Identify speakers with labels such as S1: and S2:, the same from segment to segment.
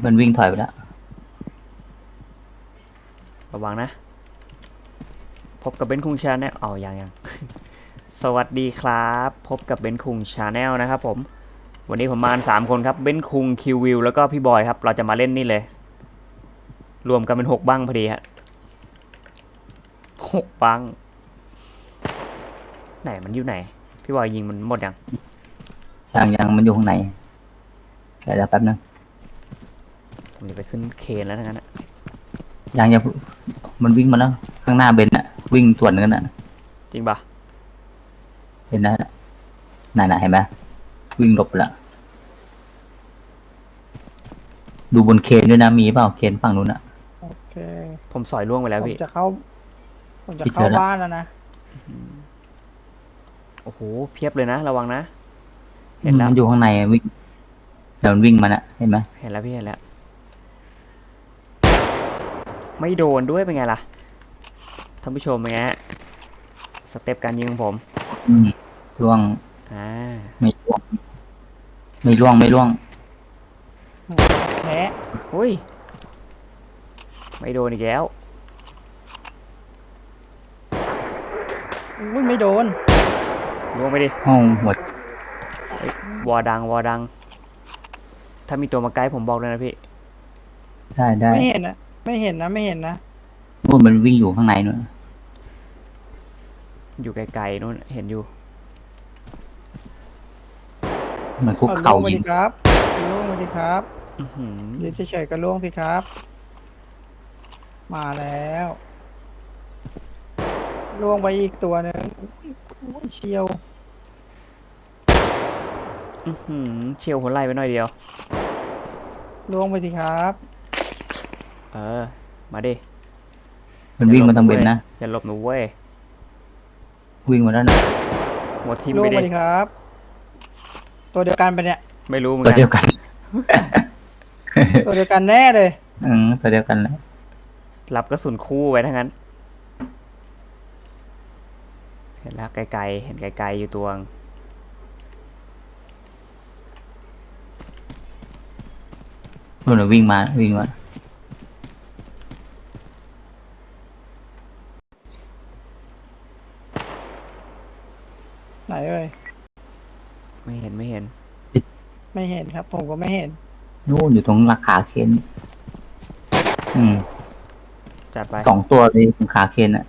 S1: มันวิ่งถอยไปแล้ว
S2: ระวังนะพบกับเบนคุงชาแนลยังสวัสดีครับพบกับเบนคุงชาแนลนะครับผมวันนี้ผมมา3คนครับเบนคุงคิววิวแล้วก็พี่บอยครับเราจะมาเล่นนี่เลยรวมกันเป็น6บ้างพอดีฮะ6บ้างไหนมันอยู่ไหนพี่บอยยิงมันหมด
S1: ยังมันอยู่ข้างในเดี๋ยวแป๊บนึง
S2: ผมจะไปขึ้นเคนแล้วทั้งนั้น
S1: ยังมันวิ่งมาแล้วข้างหน้าเบนอะวิ่งสวนกันอะ
S2: จริงปะ
S1: เห็นนะน่ะเห็นไหมวิ่งหลบไปละดูบนเคนด้วยนะมีเปล่าเคนฝั่งนู้นอะ
S3: โอเค
S2: ผมสอยล่วงไปแล้ว
S3: ผม
S2: พี่
S3: จะเข้าผมจะ
S1: คิดเจ
S3: เข้า
S1: อแล้ว
S3: บ้านแล้วนะ
S2: โอ้โหเพียบเลยนะระวังนะเห็นแล้ว
S1: มันอยู่ข้างในวิ่งเดี๋ยวมันวิ่งมาน่ะเห็นไหม
S2: เห็นแล้วพี่เห็นแล้วไม่โดนด้วยเป็นไงล่ะท่านผู้ชมเป็นไงฮะสเต็ปการยิงของผม
S1: ล่วง
S2: อ่า
S1: ไม่ล่วงไม่ล่วง
S3: แพ้
S2: อุ้ยไม่โดนอีกแล้ว
S3: อุ้ยไม่โดน
S2: ล่วงไปดิ
S1: ห้องหัว
S2: วอดังถ้ามีตัวมาใกล้ผมบอกเลยนะพี่
S1: ได้
S3: ไม่เห็นนะไม่เห็นนะไม่เห็นนะ
S1: นู่นมันวิ่งอยู่ข้างในนู่น
S2: อยู่ไกลๆนู่นเห็นอยู่
S1: มันคุก
S3: เอาล่
S1: เข่า
S3: วงมา
S1: ยิง
S3: ดิครับล่วงมาดิครับ
S2: อือหือ
S3: ยืนเฉยๆก็ล่วงสิครับมาแล้วล่วงไปอีกตัวหนึ่งอุ้ยเชียว
S2: อือหือเชียวหัวไหล่ไปหน่อยเดียว
S3: ล่วงไปสิครับ
S2: เออมาดิ
S1: มันวิ่งมาทางเบนนะ
S2: อย่าหลบหนูเว้ย
S1: วิ่งมาแล้วนะ
S2: หัวทิม
S3: ล่ว
S2: ไปดิ
S3: งไปดิครับตัวเดียวกันไปะเนี่ย
S2: ไม่รู้เหมือน
S1: ตัว
S2: กัน
S1: เดียวกัน
S3: ตัวเดียวกันแน่เลย
S1: ตัวเดียวกันแล้ว
S2: รับกระสุนคู่ไว้ทั้งนั้นเห็นแล้วไกลๆเห็นไกลๆอยู่ตัวง
S1: นู่นนะวิ่งมา
S3: ไหนเอ่ย
S2: ไม่เห็น
S3: ไม่เห็นครับผมก็ไม่เห็น
S1: นู่นอยู่ตรงราคาเคน
S2: จัดไป
S1: 2 ตัวเลยตรงขาเคนอะ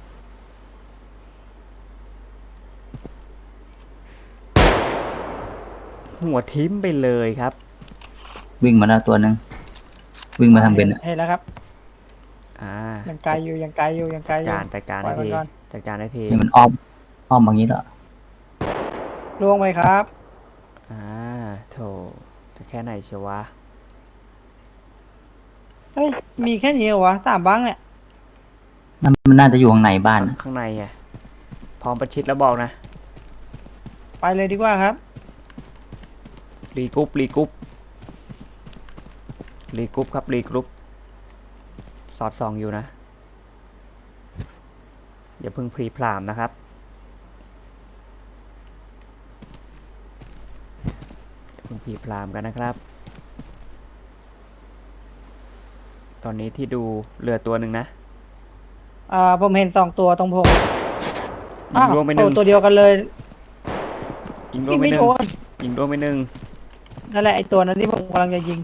S2: หัวทิมไปเลยครับ
S1: วิ่งมาแล้วตัวนึงวิ่งมาทางเบนอะ
S3: เห็นแล้วครับ
S2: อ่า
S3: ยังไกลอยู่ยังไกลอยู่ยังไกลอยู่
S2: จัดการ
S3: ปล่
S2: ได้ที
S3: อยมันก่อน
S2: จัดการได้ที
S1: นี่มันอ้อมบางนี้แล้ว
S3: ล่วงไปครับ
S2: อ่าโถจะแค่ไหนเชียววะ
S3: เฮ้ยมีแค่นี้เหรอวะ3บ้างเนี่ย
S1: มันน่าจะอยู่ข้างในบ้าน
S2: ข้างในไงพร้อมประชิดแล้วบอกนะ
S3: ไปเลยดีกว่าครับ
S2: รีกรุ๊ปครับรีกรุ๊ปสอดส่องอยู่นะอย่าเพิ่งพรีพรามนะครับอย่าเพิ่งพรีพรามกันนะครับตอนนี้ที่ดูเรือตัวหนึ่งนะ
S3: ผมเห็น2ตัวตรงผม
S2: ยิงรวมไปหนึ่ง
S3: ตัวเดียวกันเลย
S2: ยิงรวมไปหนึ่งยิงรวมไปหนึ่ง
S3: นั่นแหละไอตัวนั้นที่ผมกำลังจะยิง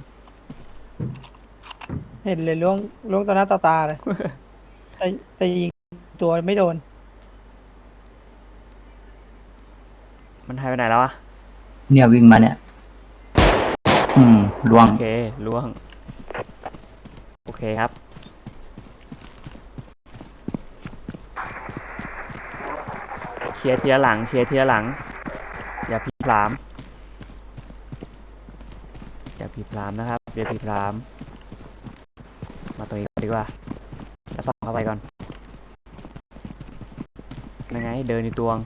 S3: เห็นเลยล่วงต่อหน้าต่อตาเลย แต่ยิงตัวไม่โดน
S2: มันหายไปไหนแล้วอะ
S1: เนี่ยวิ่งมาเนี่ยล่วง
S2: โอเคล่วงโอเคครับเคลียร์ทีละหลังอย่าพรีพรามนะครับอย่าพรีพรามมาตัวนี้ดีกว่าจะส่องเข้าไปก่อนยังไงเดินในตวง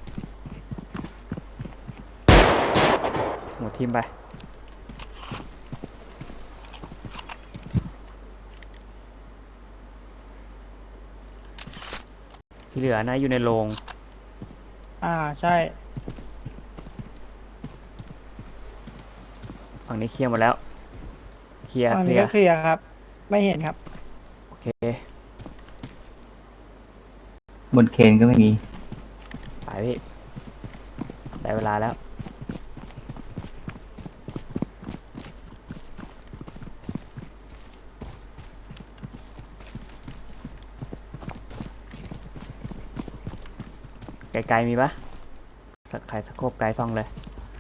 S2: หัวทิมไปที่เหลือนะอยู่ในโรง
S3: ใช่
S2: ฝั่งนี้เคลียร์หมดแล้วเคลียร์
S3: ฝั่ง
S2: เคลี
S3: นี้
S2: ย
S3: ก็
S2: ร์
S3: เคลียร์ครับ ไม่เห็นครับ
S2: โอเค
S1: บนเคนก็ไม่มี
S2: ไปพี่ได้เวลาแล้ว ไกลๆมีปะสักใครสะโคบไกลซ่องเลย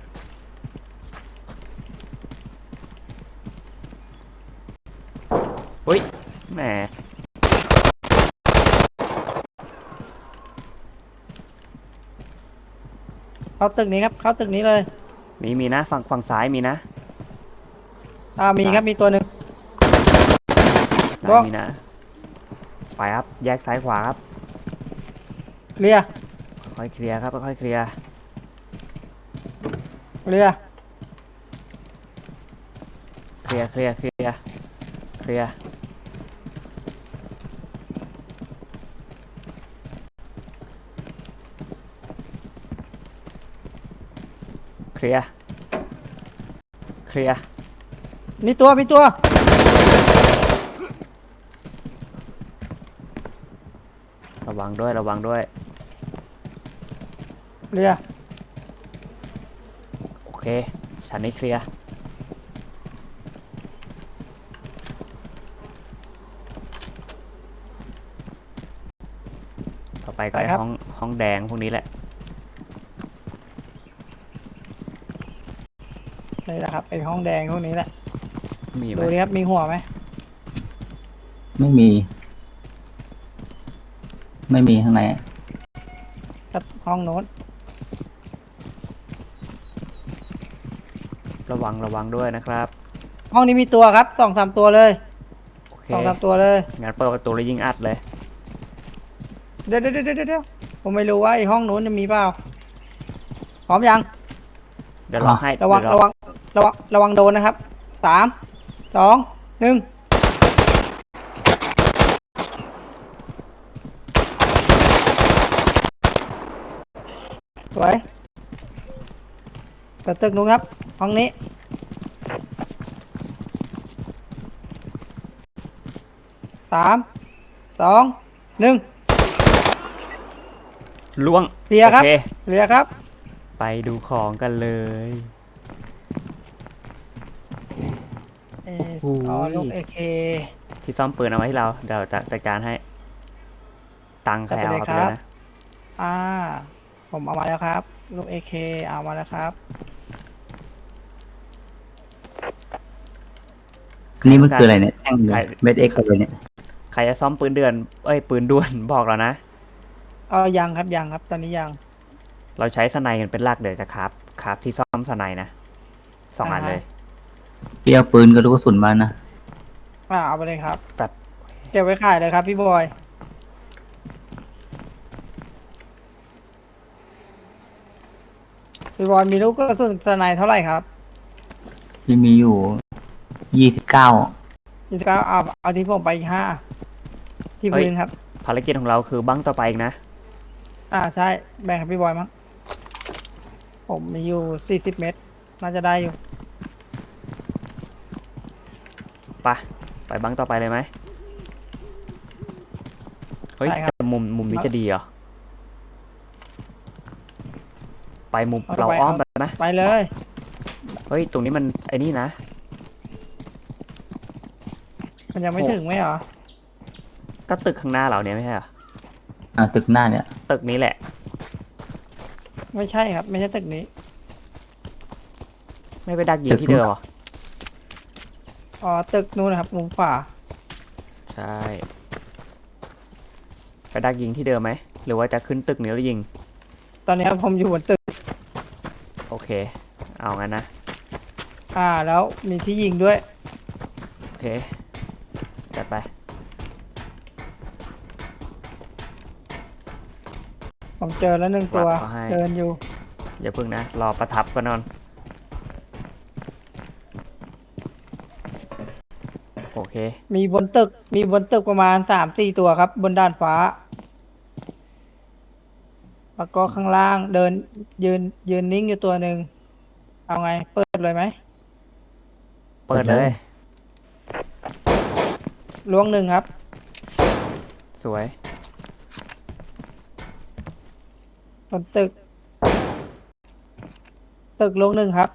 S2: อุ้ยแหม
S3: เข้าตึกนี้ครับ เข้าตึกนี้เลย
S2: มีนะฝั่งซ้ายมีนะ
S3: มีครับ มีตัวหนึ่ง
S2: ไหน
S3: บอก
S2: มีนะไปครับแยกซ้ายขวาครับ
S3: เคลียร์
S2: ค่อยเคลียร์ครับค่อยเคลียร์
S3: เคลียร์
S2: เคลียร์เคลียร์เคลียร์เคลียร์เคลียร์เคลียร์
S3: มีตัว มีตัว
S2: ระวังด้วยระวังด้วย
S3: เคลียร์
S2: โอเคชั้นนี้เคลียร์ต่อไปก็ไอห้องแดงพวกนี้แหละ
S3: นี่แหละครับไอห้องแดงพวกนี้แหละ
S2: มีไหม
S3: ดูดิครับ มีหัวไหม
S1: ไม่มี ไม่มีข้างใน
S3: ครับห้องโน้น
S2: ระวังด้วยนะครับ
S3: ห้องนี้มีตัวครับ2-3 ตัวเลย
S2: โอเค
S3: 2-3 ตัวเลย
S2: งั้นเปิดประตูแล้วยิงอัดเลย
S3: เดี๋ยวผมไม่รู้ว่าไอห้องโน้นจะมีเปล่า พร้อมยัง
S2: เดี๋ยวลองให้
S3: ระวัง
S2: เดี๋ย
S3: ระวังโดนนะครับ 3-2-1สวยเปิดตึกนู้นครับ ห้องนี้ 3-2-1
S2: ล่วง
S3: เคลียร์ครับ
S2: โอเค
S3: เคลียร์ครับ
S2: ไปดูของกันเลย
S3: ลูก AK
S2: ที่ซ่อมปืนเอาไว้ให้เราเดี๋ยวจะจัดการให้ ตังค์ใครเอาครับ
S3: จัดไปเลยครับ
S2: เลยนะ
S3: อ่า ผมเอามาแล้วครับ ลูก AK เอามาแล้วครับ
S1: นี่มันคืออะไรเนี่ยแท่งเม็ดเอ็กซ์อะไรเนี่ย
S2: ใครจะซ่อมปืนเดือนปืนด่วน บอกเรานะ
S3: ยังครับยังครับ ตอนนี้ยัง
S2: เราใช้สไนกันเป็นหลักเดี๋ยวจะครับที่ซ่อมสไนนะ2 อันเลย
S1: พี่เอาปืนกับลูกกระสุนมานะ
S3: เอาไปเลยครับ
S2: แบบ
S3: เก็บไว้ขายเลยครับพี่บอย พี่บอยมีลูกกระสุนสไนเท่าไหร่ครับ
S1: ที่มีอยู่29
S3: 29เอาที่ผมไปอีก5ที่พื้นครับ
S2: ภารกิจของเราคือบังต่อไปอีกนะ
S3: ใช่ แบ่งให้พี่บอยมั้ง ผมมีอยู่40 เมตร น่าจะได้อยู่
S2: ไปบังต่อไปเลยไหมเฮ้ย
S3: ได้ครับ
S2: แต่มุมนี้จะดีเหรอ ไปมุม
S3: เอา
S2: เรา
S3: ไป
S2: อ้อมไปไหม
S3: ไปเลย
S2: เฮ้ย ตรงนี้มันไอ้นี่นะ
S3: มันยังไม่ถึงไหมเหรอ
S2: ก็ตึกข้างหน้าเราเนี่ยไม่ใช่เหรอ
S1: ตึกหน้าเนี่ย
S2: ตึกนี้แหละ
S3: ไม่ใช่ครับ ไม่ใช่ตึกนี้
S2: ไม่ไปดักยิงที่เดิมเหรอ
S3: ตึกนู้นนะครับ มุมขวา
S2: ใช่ ไปดักยิงที่เดิมไหม หรือว่าจะขึ้นตึกนี้แล้วยิง
S3: ตอนนี้ผมอยู่บนตึก
S2: โอเค เอางั้นนะ
S3: แล้วมีที่ยิงด้วย
S2: โอเค จัดไป
S3: ผมเจอแล้ว1 ตัว
S2: วางเขาให้
S3: เดินอยู่
S2: อย่าพึ่งนะ รอประทับก่อนนอน โอเค
S3: มีบนตึกประมาณ3-4 ตัวครับ บนด้านฟ้า แล้วก็ข้างล่างเดินยืนนิ่งอยู่ตัวหนึ่ง เอาไง เปิดเลยไหม
S2: เปิดเลย
S3: ล้วงหนึ่งครับ
S2: สวย
S3: บนตึก ตึกล้วงหนึ่งครับ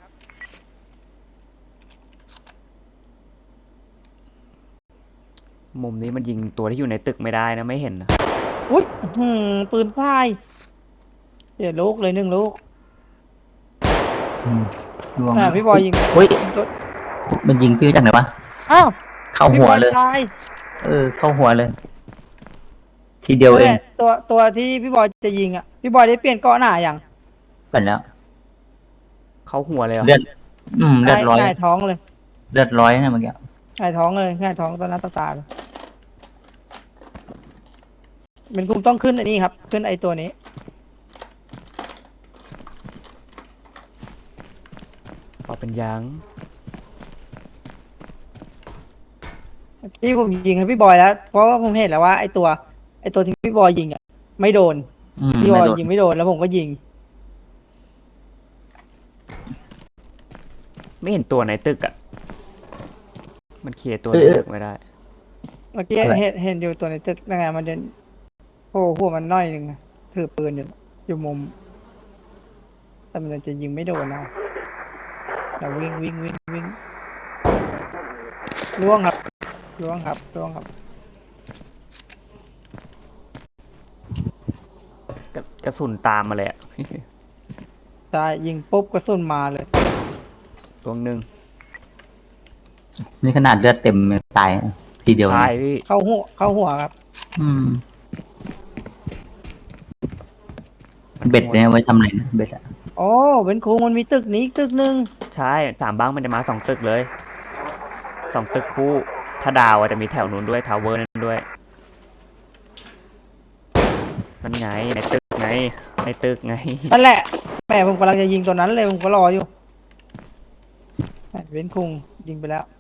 S2: มุมนี้มันยิงตัวที่อยู่ในตึกไม่ได้นะไม่เห็นนะ
S3: อุ้ยปืนพ่ายเสียลูกเลยหนึ่งลูก
S1: อืมล่วง
S3: พี่บอยยิง
S1: เฮ้ย
S3: ตัว
S1: มันยิงพี่จากไหนวะ
S3: อ้าว
S1: เข้า
S3: พี่
S1: หั
S3: บ
S1: ว
S3: อย
S1: เลย
S3: ตาย
S1: เข้าหัวเลย ทีเดียวเอง
S3: นั่นแหละตัวที่พี่บอยจะยิงอ่ะ พี่บอยได้เปลี่ยนเกาะหน้าอย่าง
S1: เป็นแล้ว
S2: เข้าหัวเลยเหรอ
S1: เลือดเลือดร้อย
S3: หงายท้องเลย
S1: เลือดร้อยนะเมื่อกี้
S3: หงายท้องเลยหงายท้องตอนหน้าตาเลยเป็นกลุ่มต้องขึ้นอันนี้ครับ ขึ้นไอตัวนี้
S2: พอเป็นยาง
S3: ที่ผมยิงให้พี่บอยแล้ว เพราะว่าผมเห็นแล้วว่าไอตัวที่พี่บอยยิงอ่ะ ไม่โดน พี่บ
S1: ไม่
S3: อย
S1: โดน
S3: ยิงไม่โดนแล้วผมก็ยิง
S2: ไม่เห็นตัวในตึกอ่ะ มันเคลียร์ตัวในตึกไม่ได้
S3: เมื่อกี้เห็นอยู่ตัวในตึกยังไงมันเดินโอ้หัวมันน้อยหนึ่งอะถือปืนอยู่มุม แต่มันจะยิงไม่โดนนะเราวิ่งล่วงครับล่วงครับ
S2: กระสุนตามมาเลยอะ
S3: ใช่ยิงปุ๊บกระสุนมาเลย
S2: ตัวหนึ่ง
S1: นี่ขนาดเลือดเต็มยังตายทีเดียว
S2: ตายพี่
S3: เข้าหัวครับ
S1: อืมเบ็ดเนี่ยไว้ทำอะไรนะเบ็ดอะ
S3: โอ้เป็นครูมันมีตึกนี้อีกตึกหนึ่ง
S2: ใช่สามบ้างมันจะมา2 ตึกเลย2 ตึกคู่ ถ้าดาวจะมีแถวนู้นด้วยทาวเวอร์นั้นด้วย นั่นไงในตึกไง ในตึกไง
S3: นั่นแหละแม่ผมกำลังจะยิงตัวนั้นเลยผมก็รออยู่เว้นคุงยิงไปแล้ว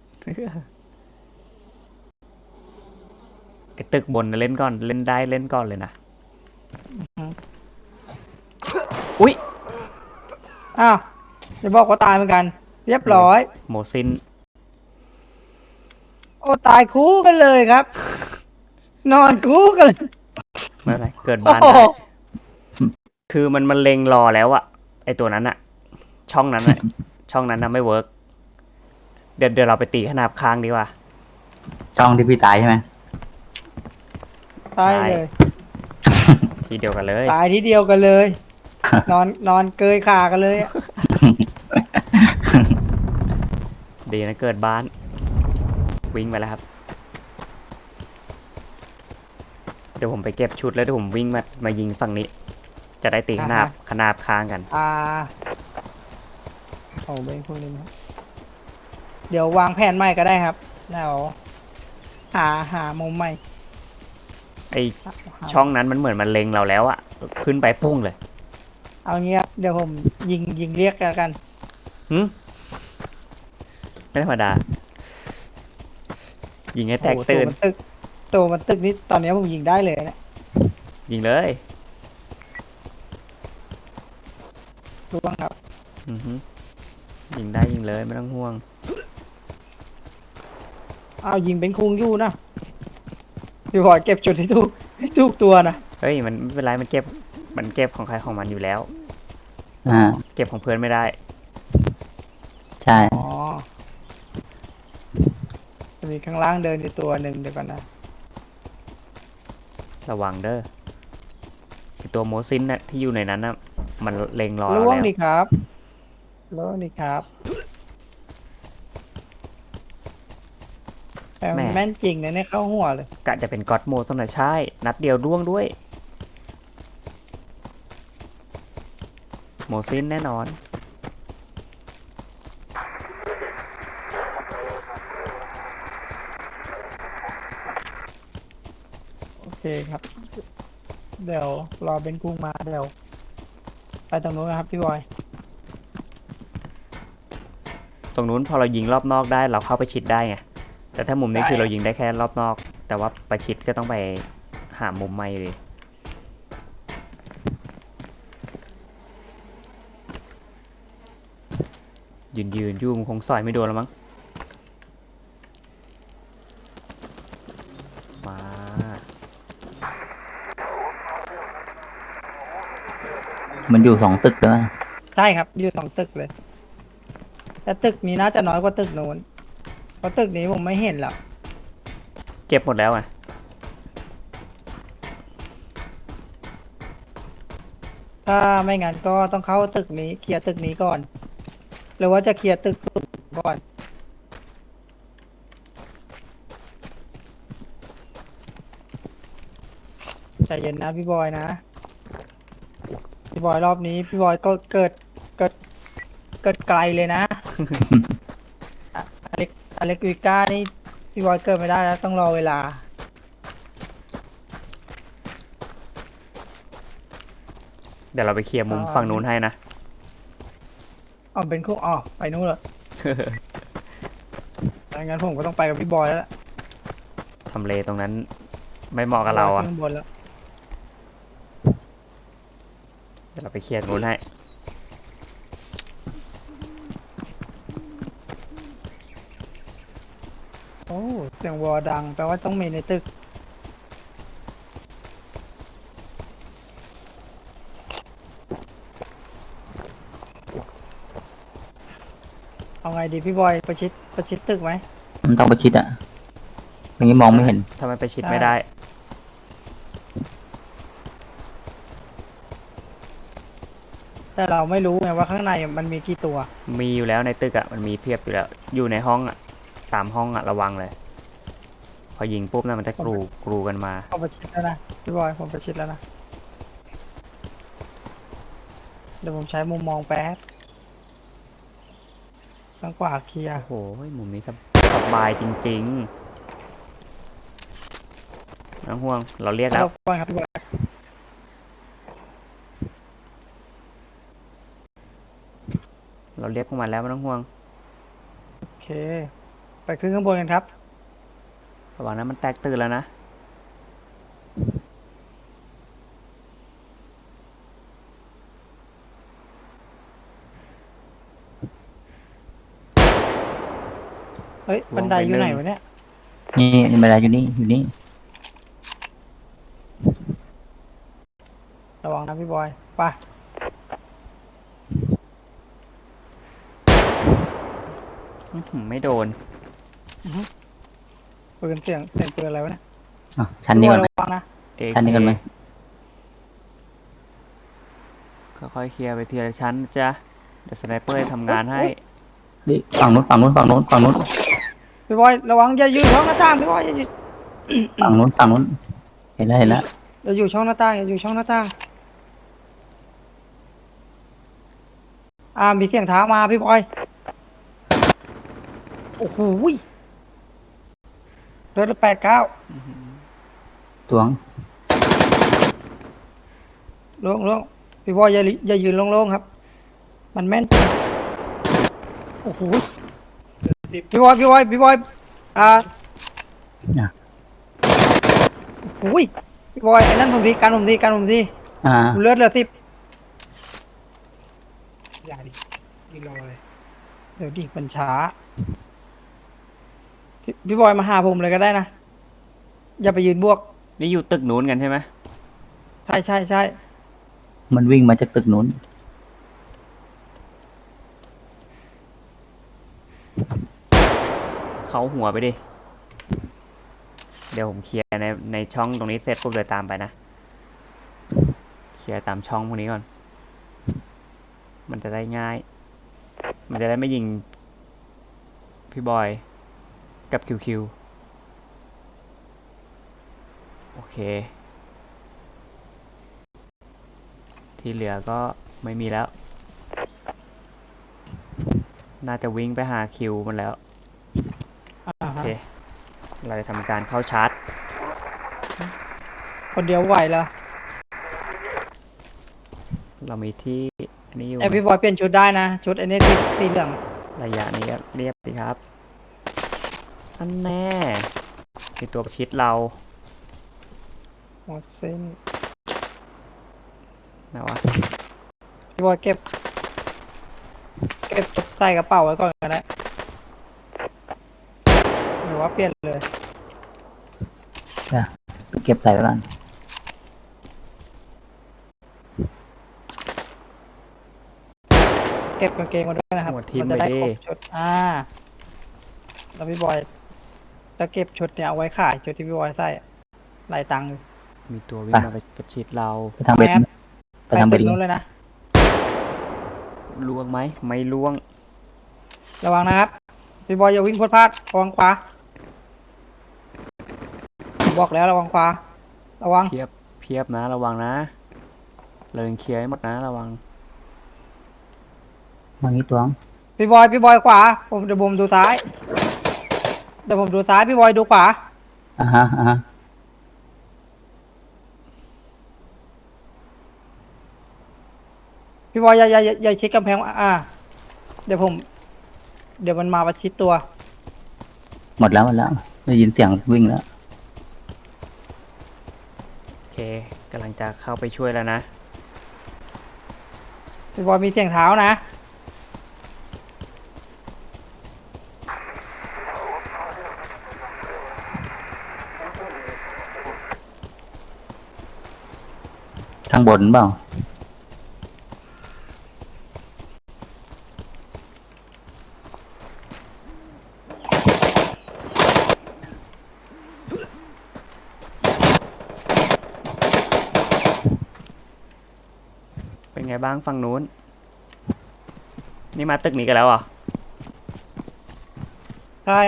S2: ไอ้ตึกบนน่ะเล่นก่อนเล่นได้เล่นก่อนเลยนะ อุ๊ย
S3: อ้าวจะบอกว่าตายเหมือนกัน เรียบร้อย
S2: โมซิน
S3: โอ้ตายคู่กันเลยครับ นอนคู่กันเลย
S2: ไม่เป็นไรเกิด
S3: โอ้
S2: บ้าน
S3: โห
S2: ได้คือมันเล็งรอแล้วอะไอตัวนั้นอะช่องนั้นอะ ช่องนั้นนะไม่เวิร์กเดี๋ยวเราไปตีขนาบค้างดีกว่า
S1: ช่องที่พี่ตายใช่ไหม
S3: ตายเลย
S2: ทีเดียวกันเลย
S3: ตายทีเดียวกันเลย นอนเกยขากันเลยอะ
S2: ดีนะเกิดบ้าน วิ่งไปแล้วครับ เดี๋ยวผมไปเก็บชุดแล้วเดี๋ยวผมวิ่งมายิงฝั่งนี้ จะได้ตีขนาบค้างกัน
S3: เอาไปพวกนี้นะเดี๋ยววางแผนใหม่ก็ได้ครับแล้วหามุมใหม่
S2: ไอช่องนั้นมันเหมือนมันเล็งเราแล้วอะขึ้นไปพุ่งเลย
S3: เอางี้ครับเดี๋ยวผมยิงเรียกแล้วกัน
S2: ไม่ธรรมดา ยิงให้แตก
S3: โอ้โห
S2: ตื่น
S3: ตัวมันตึกนี้ตอนนี้ผมยิงได้เลยนะ
S2: ยิงเลย
S3: รู้บ้างครับ
S2: อือฮึยิงได้ยิงเลยไม่ต้องห่วง
S3: เอายิงเป็นคุงอยู่นะพี่บอยเก็บจุดให้ทุกตัวนะ
S2: เฮ้ยมันไม่เป็นไรมันเก็บของใครของมันอยู่แล้ว
S1: อ่า
S2: เก็บของเพื่อนไม่ได้
S1: ใช่
S3: อ๋อจะมีข้างล่างเดินอยู่ตัวหนึ่งเดี๋ยวก่อนนะ
S2: ระวังเด้อไอ้ตัวโมซินน่ะที่อยู่ในนั้นน่ะมันเล็งรอเรา
S3: ล่วง
S2: แล้ว
S3: ดีครับล่วงดีครับแต่มันแม่นจริงนะเนี่ยเข้าหัวเลย
S2: กะจะเป็นก็อดโมสนะใช่ นัดเดียวร่วงด้วย โมซินแน่นอน
S3: โอเคครับ เดี๋ยวรอเป็นกุ้งมาเดี๋ยวไปตรงนู้นนะครับพี่บอย
S2: ตรงนู้นพอเรายิงรอบนอกได้เราเข้าไปชิดได้ไง แต่ถ้ามุมนี้คือเรายิงได้แค่รอบนอก แต่ว่าไปชิดก็ต้องไปหามุมใหม่อยู่ดียืนอยู่มันคงสอยไม่โดนแล้วมั้งมา
S1: มันอยู่2 ตึกแล้วนะ
S3: ใช่ครับอยู่2 ตึกเลย แต่ตึกนี้น่าจะน้อยกว่าตึกโน้นเพราะตึกนี้ผมไม่เห็นหรอก
S2: เก็บหมดแล้วไง
S3: ถ้าไม่งั้นก็ต้องเข้าตึกนี้เคลียร์ตึกนี้ก่อน หรือว่าจะเคลียร์ตึกสูงก่อนใจเย็นนะพี่บอยนะ พี่บอยรอบนี้พี่บอยก็เกิดไกลเลยนะ อะอเล็กวิก้านี่พี่บอยเกิดไม่ได้แล้วต้องรอเวลา
S2: เดี๋ยวเราไปเคลียร์มุม
S3: อ่า
S2: ฝั่งนู้นให้นะ
S3: อ๋อเป็นคู่อ๋อไปนู้นเหรอ งั้นผมก็ต้องไปกับพี่บอยแล้วล่ะ
S2: ทำเลตรงนั้นไม่เหมาะกับเราอ่ะ
S3: ขึ้นบนแล้ว
S2: เดี๋ยวเราไปเคลียร์นู้นให้
S3: โอ้เสียงวอดังแปลว่าต้องมีในตึก เอาไงดีพี่บอยประชิดตึกไหม
S1: มันต้องประชิดอ่ะอย่างนี้มองไม่เห็น
S2: ถ้ามันไปชิด
S3: ได้
S2: ไม่ได้
S3: แต่เราไม่รู้ไงว่าข้างในมันมีกี่ตัว
S2: มีอยู่แล้วในตึกอ่ะ มันมีเพียบอยู่แล้ว อยู่ในห้องอ่ะ ตามห้องอ่ะ ระวังเลย พอยิงปุ๊บนะมันจะกรูกันมา
S3: เอาประชิดแล้วนะพี่บอยผมประชิดแล้วนะเดี๋ยวผมใช้มุมมองแป๊บทางขวาเคลียร์
S2: โอ้โห มุมนี้สบายจริงๆน้องห่วง เราเรียกแล้ว
S3: รบกวนครับพี่บอย
S2: เราเรียกพวกมันแล้วไม่ต้องห่วง
S3: โอเค ไปขึ้นข้างบนกันครับ
S2: ระวังนะมันแตกตื่นแล้วนะ
S3: เฮ้ยบันไดอยู่ไหนวะเนี่ย
S1: นี่บันไดอยู่นี่
S3: ระวังนะพี่บอยไป
S2: อื้อหือไม่โดน
S3: ปืนเสียงปืนอะไรวะเนี่ย
S1: อ่ะชั้นนี้ก่อนไหม
S3: พี่บอยระวังนะ
S1: ชั้นนี้ก่อนไหม
S2: ค่อยๆเคลียร์ไปทีละชั้นนะจ๊ะ เดี๋ยวสไนเปอร์จะทำงานให้
S1: เฮ้ยฝั่งนู้น
S3: พี่บอยระวังอย่าอยู่ช่องหน้าต่างพี่บอยอย่าอยู่
S1: ฝั่งนู้นเห็นแล้ว
S3: อย่าอยู่ช่องหน้าต่างอย่าอยู่ช่องหน้าต่างมีเสียงเท้ามาพี่บอยโอ้โหรถ89
S1: ตวง
S3: โล่งพี่บอยอย่ายืนโล่งๆครับ มันแม่นจริงโอ้โหพี่บอย
S1: อ่ะ
S3: โอ้ยพี่บอยไอ้นั่นผมทีกันผมที
S1: อ่า
S3: ผมเลือดเหลือ10อย่าดิยืนรอเลยเดี๋ยวดิมันช้าพี่บอยมาหาผมเลยก็ได้นะอย่าไปยืนบวก
S2: นี่อยู่ตึกนู้นกันใช่ไหม
S3: ใช่
S1: มันวิ่งมาจากตึกนู้น
S2: เขาหัวไปดิ เดี๋ยวผมเคลียร์ในช่องตรงนี้เสร็จปุ๊บเดี๋ยวตามไปนะ เคลียร์ตามช่องพวกนี้ก่อน มันจะได้ง่าย มันจะได้ไม่ยิงพี่บอยกับคิวโอเค ที่เหลือก็ไม่มีแล้ว น่าจะวิ่งไปหาคิวมันแล้ว โอเค เราจะทำการเข้าชาร์จ
S3: คนเดียวไหวเหรอ
S2: เรามีที่นี่อยู่
S3: ไอพี่บอยเปลี่ยนชุดได้นะชุดไอ้นี่สีเหลือง
S2: ระยะนี้ก็เรียบสิครับอันแน่มีตัวประชิดเรา
S3: หมดเส้น
S2: นะวะ
S3: พี่บอยเก็บใส่กระเป๋าไว้ก่อนก็ได้หรือว่าเปลี่ยนเลย
S1: จ้ะไปเก็บใส่ไว้ก่อน
S3: เก็บกางเกงมาด้วยนะครับ
S2: หัวทิ่ม
S3: จะได้
S2: ไปดิ
S3: ครบชุดแล้วพี่บอยจะเก็บชุดเนี่ยเอาไว้ขายชุดที่พี่บอยใส่หลายตังค์อยู่
S2: มีตัววิ่งมาประชิดเรา
S1: ไปทางเบน
S3: แอป
S1: ไปทางเบ
S3: ตึ
S1: น
S3: กนู้นเลยนะ
S2: ล่วงไหมไม่ล่วง
S3: ระวังนะครับพี่บอยอย่าวิ่งพลาดระวังขวาบอกแล้วระวังขวาระวัง
S2: เพียบนะระวังนะเรายังเคลียร์ให้หมดนะระวัง
S1: มางี้ตัว
S3: พี่บอยขวาเดี๋ยวผมดูซ้ายพี่บอยดูขวา
S1: อ่าฮะอ่าฮะ
S3: พี่บอยอย่าชิดกำแพงเดี๋ยวมันมาประชิดตัว
S1: หมดแล้วได้ยินเสียงวิ่งแล้ว
S2: โอเคกำลังจะเข้าไปช่วยแล้วนะ
S3: พี่บอยมีเสียงเท้านะ
S1: ทางบนเปล่า
S2: เป็นไงบ้างฝั่งนู้นนี่มาตึกนี้กันแล้วเหรอ
S3: ใช่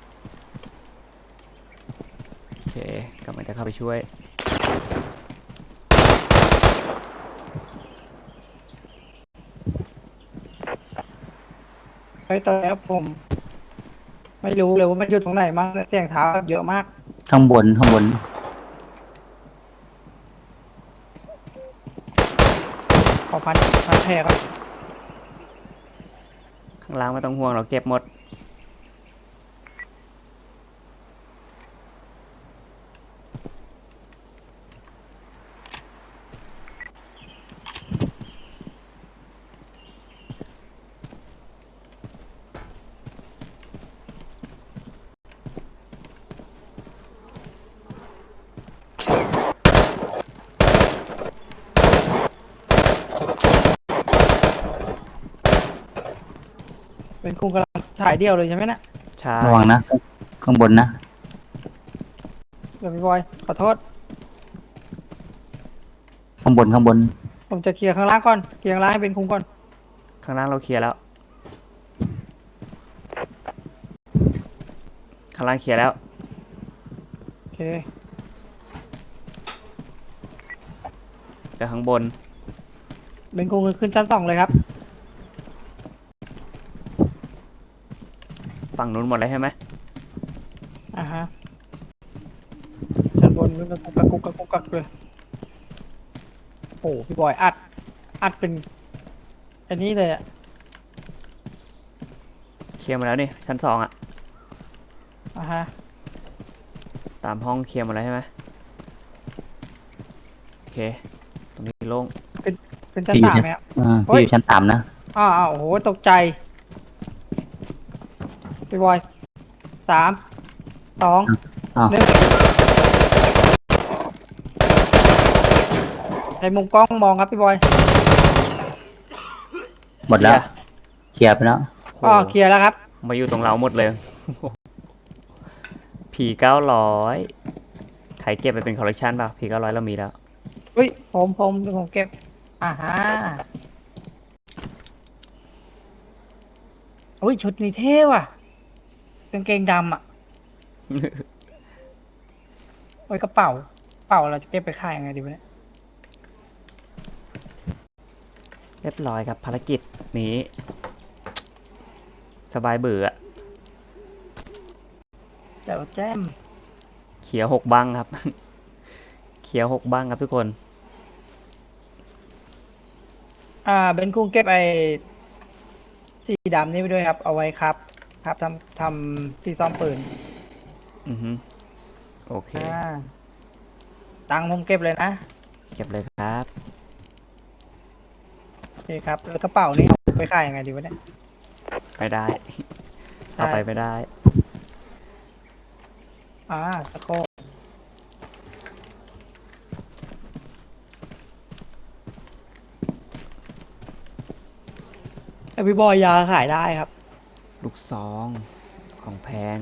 S2: โอเคกำลังจะเข้าไปช่วย
S3: ไปตอนแล้วผมไม่รู้เลยว่ามันอยู่ตรงไหนมั้งเสียงเท้าเยอะมาก
S1: ข้างบน
S3: ขอพันแผลก่อน
S2: ข้างล่างไม่ต้องห่วงเราเก็บหมด
S3: เป็นคุงกำลังถ่ายเดี่ยวเลยใช่ไหมนะ
S2: ใช่
S1: ระวังนะ ข้างบนนะ
S3: เดี๋ยวพี่บอยขอโทษ
S1: ข้างบน
S3: ผมจะเคลียร์ข้างล่างก่อนเคลียร์ข้างล่างให้เป็นคุงก่อน
S2: ข้างล่างเราเคลียร์แล้วข้างล่างเคลียร์แล้ว
S3: โอเค
S2: เดี๋ยวข้างบน
S3: เป็นคุงขึ้นชั้น 2เลยครับ
S2: ฝั่งนู้นหมดเลยใช่ไหม
S3: ฮะชั้นบนมันกระกุกเลยโอ้พี่บอยอัดเป็นอันนี้เลยอะ
S2: เคลียร์มาแล้วนี่ชั้น2อ่ะ
S3: ฮะ
S2: ตามห้องเคลียร์หมาแล้วใช่ไหมโอเคตรงนี้โล่ง
S3: เป็นชั้น
S1: ที่อยู่
S3: 3
S1: เนี่ย
S3: ไหมครับ
S1: พี่อยู่ชั้น3นะ
S3: โอ้โหตกใจพี่บอย3 2
S1: อ้าว
S3: 1ในมุมกล้องมองครับพี่บอย
S1: หมดแล้ว เคลียร์ไปแล้ว
S2: โห
S3: เคลียร์แล้วครับ
S2: มาอยู่ตรงเราหมดเลย ผี900ใครเก็บไปเป็นคอลเลกชันป่ะผี900เรามีแล้ว
S3: อุ้ยผมเก็บฮะอุ้ยชุดนี้เท่ว่ะกางเกงดำอ่ะ โอ้ยกระเป๋าเราจะเก็บไปขายยังไงดีวะเนี่ย
S2: เรียบร้อยครับภารกิจนี้ สบายเบื่อ
S3: เดี๋ยวแจ้ม
S2: เขียว6บ้างครับ เขียว6บ้างครับทุกคน
S3: เบนคุ้งเก็บไอ้สีดำนี่ไปด้วยครับ เอาไว้ครับทำสีซ่อมปืน
S2: อือฮึโอเค
S3: ตังค์ผมเก็บเลยนะ
S2: เก็บเลยครับ
S3: โอเคครับแล้วกระเป๋านี่เอาไปขายยังไงดีวะเนี่ย
S2: ไม่ได้
S3: ใช่
S2: เอาไปไม่ได้
S3: สะโครกพี่บอยยาขายได้ครับ
S2: ลูกซองของแพง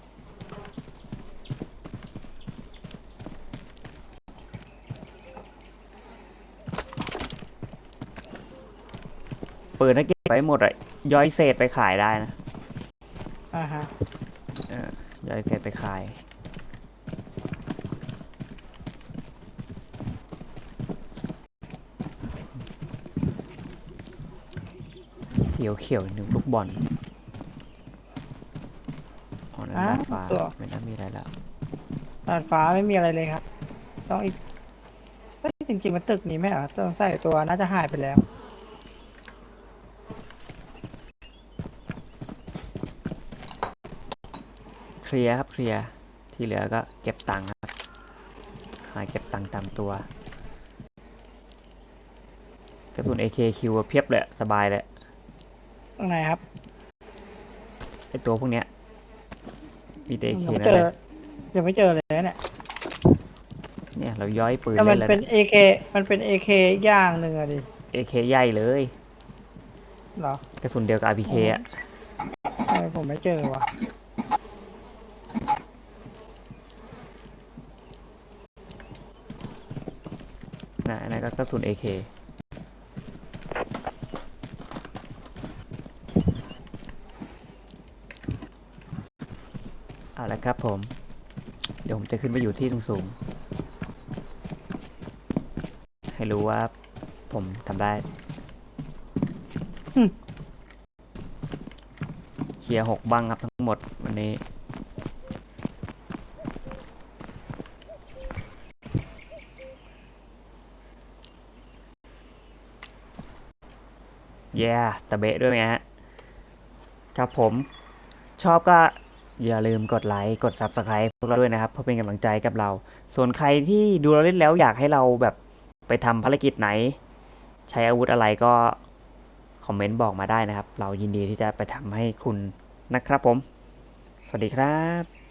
S2: ปืนถ้าเก็บไปหมดอะย่อยเศษไปขายได้นะ
S3: อ่าฮะ
S2: ย่อยเศษไปขายเขียวเขียวหนึ่งลูกบอลอ๋อนั่นด้านฟ้า
S3: ตัว
S2: ไม่น่ามีอะไรแล้ว
S3: ดาดฟ้าไม่มีอะไรเลยครับ ต้องอีกเฮ้ยจริงๆมันตึกนี้ไม่เหรอต้องใส่ตัวน่าจะหายไปแล้ว
S2: เคลียร์ครับเคลียร์ที่เหลือก็เก็บตังค์ครับหาเก็บตังค์ตามตัวกระสุน AKQ เพียบเลยสบายเลย
S3: ตรงไหนครับ
S2: ไอตัวพวกเนี้ยมีแต่ AK
S3: ยังไม่
S2: นั่
S3: เจ
S2: นเล
S3: อย ยังไม่เจอเลยนะเนี่ย
S2: เนี่ยเราย้อยปืน
S3: แต่มั
S2: เล่
S3: น
S2: นแล้ว
S3: เป็น
S2: นะ
S3: AK มันเป็น AK อย่างหนึ่งอะดิ
S2: AK ใหญ่เลย
S3: เหรอก
S2: ระสุนเดียวกับ RPK อ่ะ
S3: ผมไม่เจอว่ะ
S2: นะอันนั้นก็กระสุน AK เอาละครับผม เดี๋ยวผมจะขึ้นไปอยู่ที่สูงๆให้รู้ว่าผมทำได้ เคลียร์6บังครับทั้งหมดวันนี้ ตะเบะด้วยไหมฮะ ครับผมชอบก็อย่าลืมกดไลค์กด Subscribe พวกเราด้วยนะครับเพื่อเป็นกำลังใจกับเรา ส่วนใครที่ดูเราเล่นแล้วอยากให้เราแบบไปทำภารกิจไหน ใช้อาวุธอะไรก็คอมเมนต์บอกมาได้นะครับ เรายินดีที่จะไปทำให้คุณนะครับผม สวัสดีครับ